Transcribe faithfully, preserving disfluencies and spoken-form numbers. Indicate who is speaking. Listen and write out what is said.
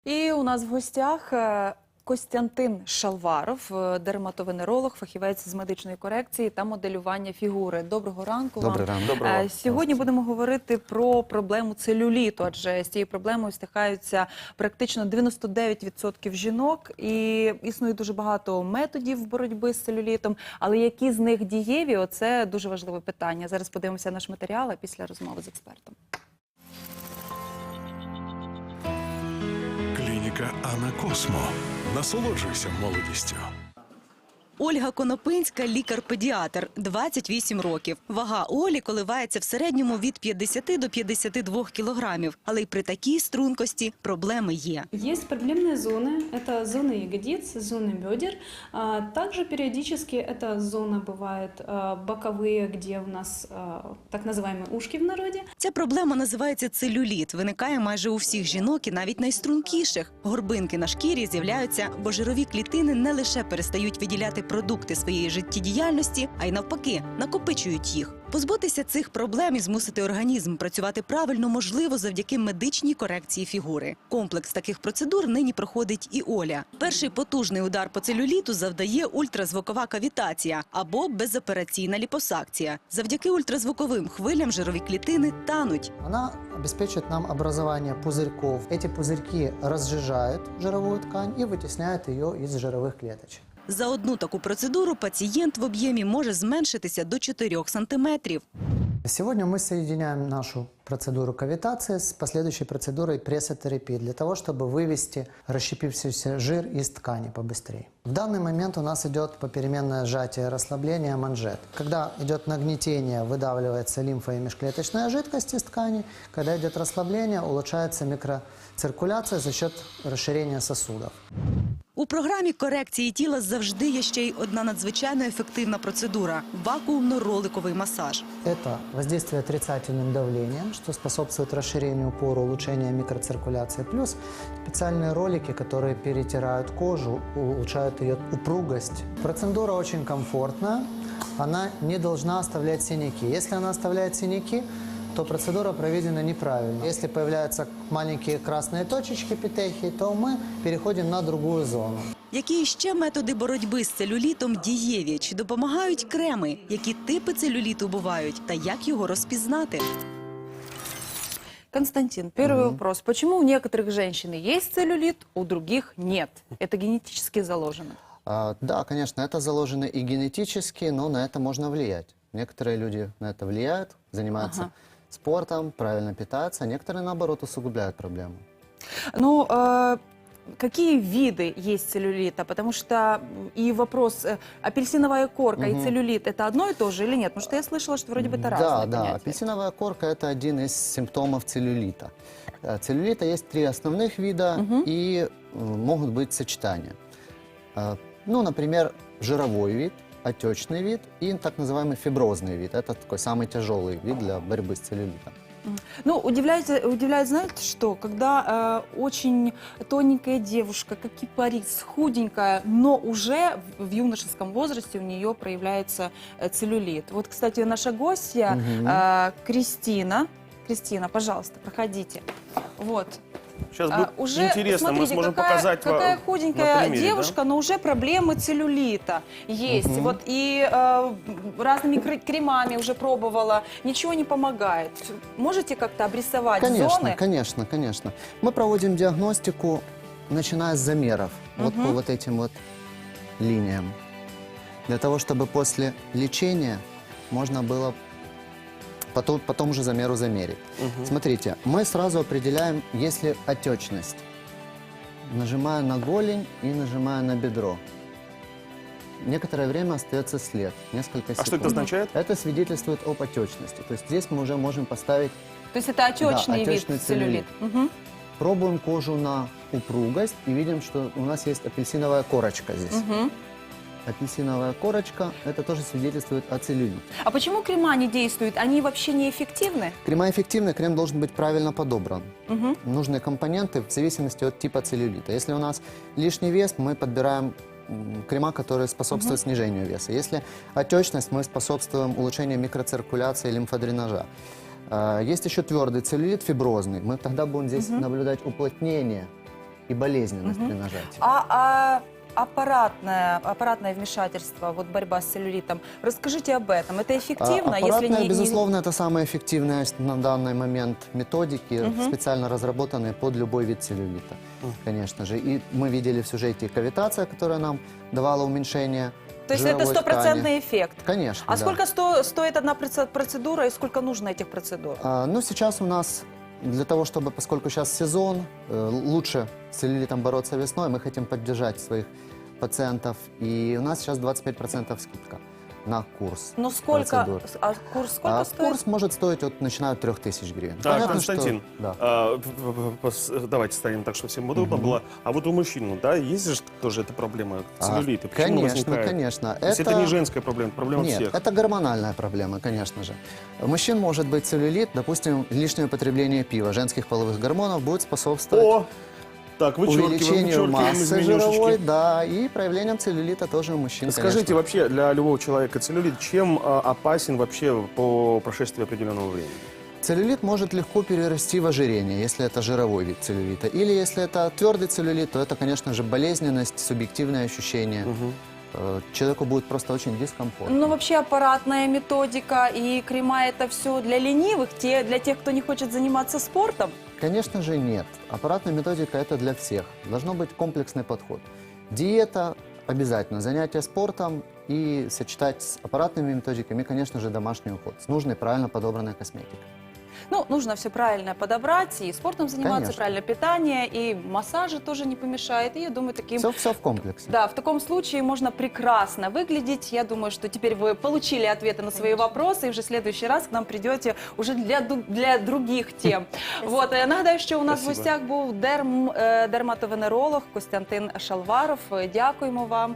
Speaker 1: І у нас в гостях е, Костянтин Шалваров, е, дерматовенеролог, фахівець з медичної корекції та моделювання фігури. Доброго ранку вам.
Speaker 2: Добрий ранок.
Speaker 3: Доброго.
Speaker 1: Е, Сьогодні будемо говорити про проблему целюліту, адже з цією проблемою стикаються практично дев'яносто дев'ять відсотків жінок. І існує дуже багато методів боротьби з целюлітом, але які з них дієві – оце дуже важливе питання. Зараз подивимося наш матеріал, а після розмови з експертом.
Speaker 3: Клініка Анна Космо. Насолоджуйся молодістю.
Speaker 4: Ольга Конопинська – лікар-педіатр, двадцять вісім років. Вага Олі коливається в середньому від п'ятдесяти до п'ятдесяти двох кілограмів. Але й при такій стрункості проблеми є.
Speaker 5: Есть проблемные зоны, это зоны ягодиц, зоны бедер. А Также периодически эта зона бывает а, боковые, где у нас а, так называемые ушки в народе.
Speaker 4: Ця проблема називається целюліт. Виникає майже у всіх жінок і навіть найстрункіших. Горбинки на шкірі з'являються, бо жирові клітини не лише перестають виділяти продукти своєї життєдіяльності, а й навпаки, накопичують їх. Позбутися цих проблем і змусити організм працювати правильно можливо завдяки медичній корекції фігури. Комплекс таких процедур нині проходить і Оля. Перший потужний удар по целюліту завдає ультразвукова кавітація або безопераційна ліпосакція. Завдяки ультразвуковим хвилям жирові клітини тануть.
Speaker 2: Она обеспечивает нам образование пузырьков. Эти пузырьки разжижают жировую ткань и вытесняют ее из жировых клеточек.
Speaker 4: За одну таку процедуру пацієнт в об'ємі може зменшитися до чотирьох сантиметрів.
Speaker 2: Сегодня мы соединяем нашу процедуру кавитации с последующей процедурой прессотерапии для того, чтобы вывести расщепившийся жир из ткани побыстрее. В данный момент у нас идет попеременное сжатие и расслабление манжет. Когда идет нагнетение, выдавливается лимфа и межклеточная жидкость из ткани. Когда идет расслабление, улучшается микроциркуляция за счет расширения сосудов.
Speaker 4: У програмі корекції тіла завжди є ще й одна надзвичайно ефективна процедура – вакуумно-роликовий масаж.
Speaker 2: Это воздействие отрицательным давлением, что способствует расширению пор, улучшению микроциркуляции. Плюс специальные ролики, которые перетирают кожу, улучшают ее упругость. Процедура очень комфортная, она не должна оставлять синяки. Если она оставляет синяки, то процедура проведена неправильно. Если появляются маленькие красные точечки петехии, то мы переходим на другую зону.
Speaker 4: Які ще методи боротьби з целюлітом дієві? Чи допомагають креми? Які типи целюліту бувають? Та як його розпізнати?
Speaker 1: Константин, первый вопрос. Почему у некоторых женщин есть целлюлит, у других нет? Это генетически заложено?
Speaker 6: А, да, конечно, это заложено и генетически, но на это можно влиять. Некоторые люди на это влияют, занимаются
Speaker 1: Ага.
Speaker 6: спортом, правильно питаются, а некоторые, наоборот, усугубляют проблему.
Speaker 1: Ну, э, какие виды есть целлюлита? Потому что и вопрос, э, апельсиновая корка и целлюлит – это одно и то же или нет? Потому что я слышала, что вроде бы это
Speaker 6: Да,
Speaker 1: разные
Speaker 6: да,
Speaker 1: понятия.
Speaker 6: апельсиновая корка – это один из симптомов целлюлита. Э, Целлюлита есть три основных вида, и э, могут быть сочетания. Э, Ну, например, жировой вид, отечный вид и так называемый фиброзный вид. Это такой самый тяжелый вид для борьбы с целлюлитом.
Speaker 1: Ну, удивляет, удивляет, знаете что? Когда э, очень тоненькая девушка, как кипарис, худенькая, но уже в, в юношеском возрасте у нее проявляется э, целлюлит. Вот, кстати, наша гостья э, Кристина. Кристина, пожалуйста, проходите. Вот.
Speaker 3: Сейчас
Speaker 1: А,
Speaker 3: будет
Speaker 1: уже,
Speaker 3: интересно, мы
Speaker 1: смотрите,
Speaker 3: сможем
Speaker 1: какая,
Speaker 3: показать вам
Speaker 1: какая
Speaker 3: на
Speaker 1: худенькая
Speaker 3: примере,
Speaker 1: девушка,
Speaker 3: да?
Speaker 1: но уже проблемы целлюлита есть. Вот и э, разными кр- кремами уже пробовала, ничего не помогает. Можете как-то обрисовать
Speaker 6: Конечно,
Speaker 1: зоны?
Speaker 6: конечно, конечно. Мы проводим диагностику, начиная с замеров, вот по вот этим вот линиям. Для того, чтобы после лечения можно было потом, потом уже замеру замерить. Смотрите, мы сразу определяем, если отечность. Нажимаю на голень и нажимаю на бедро. Некоторое время остается след, несколько секунд.
Speaker 3: А что это означает?
Speaker 6: Это свидетельствует об отечности. То есть здесь мы уже можем поставить.
Speaker 1: То есть это отечный
Speaker 6: Да,
Speaker 1: вид
Speaker 6: отечный
Speaker 1: целлюлит.
Speaker 6: целлюлит.
Speaker 1: Мгм.
Speaker 6: Пробуем кожу на упругость и видим, что у нас есть апельсиновая корочка здесь.
Speaker 1: Мгм.
Speaker 6: Апельсиновая корочка, это тоже свидетельствует о целлюлите.
Speaker 1: А почему крема не действуют? Они вообще не эффективны?
Speaker 6: Крема эффективны, крем должен быть правильно подобран.
Speaker 1: Мгм.
Speaker 6: Нужные компоненты в зависимости от типа целлюлита. Если у нас лишний вес, мы подбираем м, крема, которые способствуют снижению веса. Если отечность, мы способствуем улучшению микроциркуляции, лимфодренажа. А, Есть еще твердый целлюлит, фиброзный. Мы тогда будем здесь наблюдать уплотнение и болезненность
Speaker 1: Мгм.
Speaker 6: при нажатии.
Speaker 1: А, а аппаратное, аппаратное вмешательство, вот борьба с целлюлитом, расскажите об этом. Это эффективно,
Speaker 6: А,
Speaker 1: если
Speaker 6: аппаратная,
Speaker 1: не... не-
Speaker 6: безусловно, это самая эффективная с- на данный момент методики,
Speaker 1: Мгм.
Speaker 6: специально разработанные под любой вид целлюлита, конечно же. И мы видели в сюжете кавитация, которая нам давала уменьшение
Speaker 1: То есть это
Speaker 6: жировой
Speaker 1: стопроцентный
Speaker 6: ткани.
Speaker 1: эффект.
Speaker 6: Конечно,
Speaker 1: А
Speaker 6: да.
Speaker 1: сколько сто- стоит одна проце- процедура и сколько нужно этих процедур?
Speaker 6: А, ну, сейчас у нас для того, чтобы, поскольку сейчас сезон, э, лучше с целлюлитом бороться весной, мы хотим поддержать своих пациентов. И у нас сейчас двадцать пять процентов скидка на курс.
Speaker 1: Ну сколько,
Speaker 6: процедур.
Speaker 1: а курс сколько
Speaker 6: А
Speaker 1: стоит?
Speaker 6: курс может стоить от, начиная от трех тысяч гривен.
Speaker 7: А,
Speaker 6: Понятно,
Speaker 7: Константин,
Speaker 6: что- да.
Speaker 7: а, п- п- пос- давайте станем так, чтобы всем удобно было. А вот у мужчин, ну, да, есть же тоже эта проблема
Speaker 6: А,
Speaker 7: целлюлита? Почему
Speaker 6: конечно,
Speaker 7: возникает?
Speaker 6: конечно.
Speaker 7: То есть это... не женская проблема, это проблема
Speaker 6: Нет,
Speaker 7: всех.
Speaker 6: это гормональная проблема, конечно же. У мужчин может быть целлюлит, допустим, лишнее употребление пива, женских половых гормонов будет способствовать
Speaker 7: О! Так, вычеркиваем,
Speaker 6: увеличению
Speaker 7: вычеркиваем из
Speaker 6: массы
Speaker 7: менюшечки.
Speaker 6: жировой, да, и проявлением целлюлита тоже у мужчин,
Speaker 7: Скажите,
Speaker 6: конечно.
Speaker 7: вообще для любого человека целлюлит чем а, опасен вообще по прошествии определенного времени?
Speaker 6: Целлюлит может легко перерасти в ожирение, если это жировой вид целлюлита. Или если это твердый целлюлит, то это, конечно же, болезненность, субъективное ощущение. Э, Человеку будет просто очень дискомфортно.
Speaker 1: Ну, вообще аппаратная методика и крема это все для ленивых, те, для тех, кто не хочет заниматься спортом.
Speaker 6: Конечно же, нет. Аппаратная методика – это для всех. Должно быть комплексный подход. Диета обязательно, занятия спортом и сочетать с аппаратными методиками, и, конечно же, домашний уход с нужной, правильно подобранной косметикой.
Speaker 1: Ну, нужно все правильно подобрать, и спортом заниматься,
Speaker 6: Конечно.
Speaker 1: правильное питание, и массажи тоже не помешает. И я думаю, таким...
Speaker 6: Все, все в комплексе.
Speaker 1: Да, в таком случае можно прекрасно выглядеть. Я думаю, что теперь вы получили ответы на свои вопросы, и уже в следующий раз к нам придете уже для, ду- для других тем. Вот, я нагадаю, що у нас в
Speaker 7: Спасибо.
Speaker 1: гостях був дерм, е, дерматовенеролог Костянтин Шалваров. Дякуємо вам.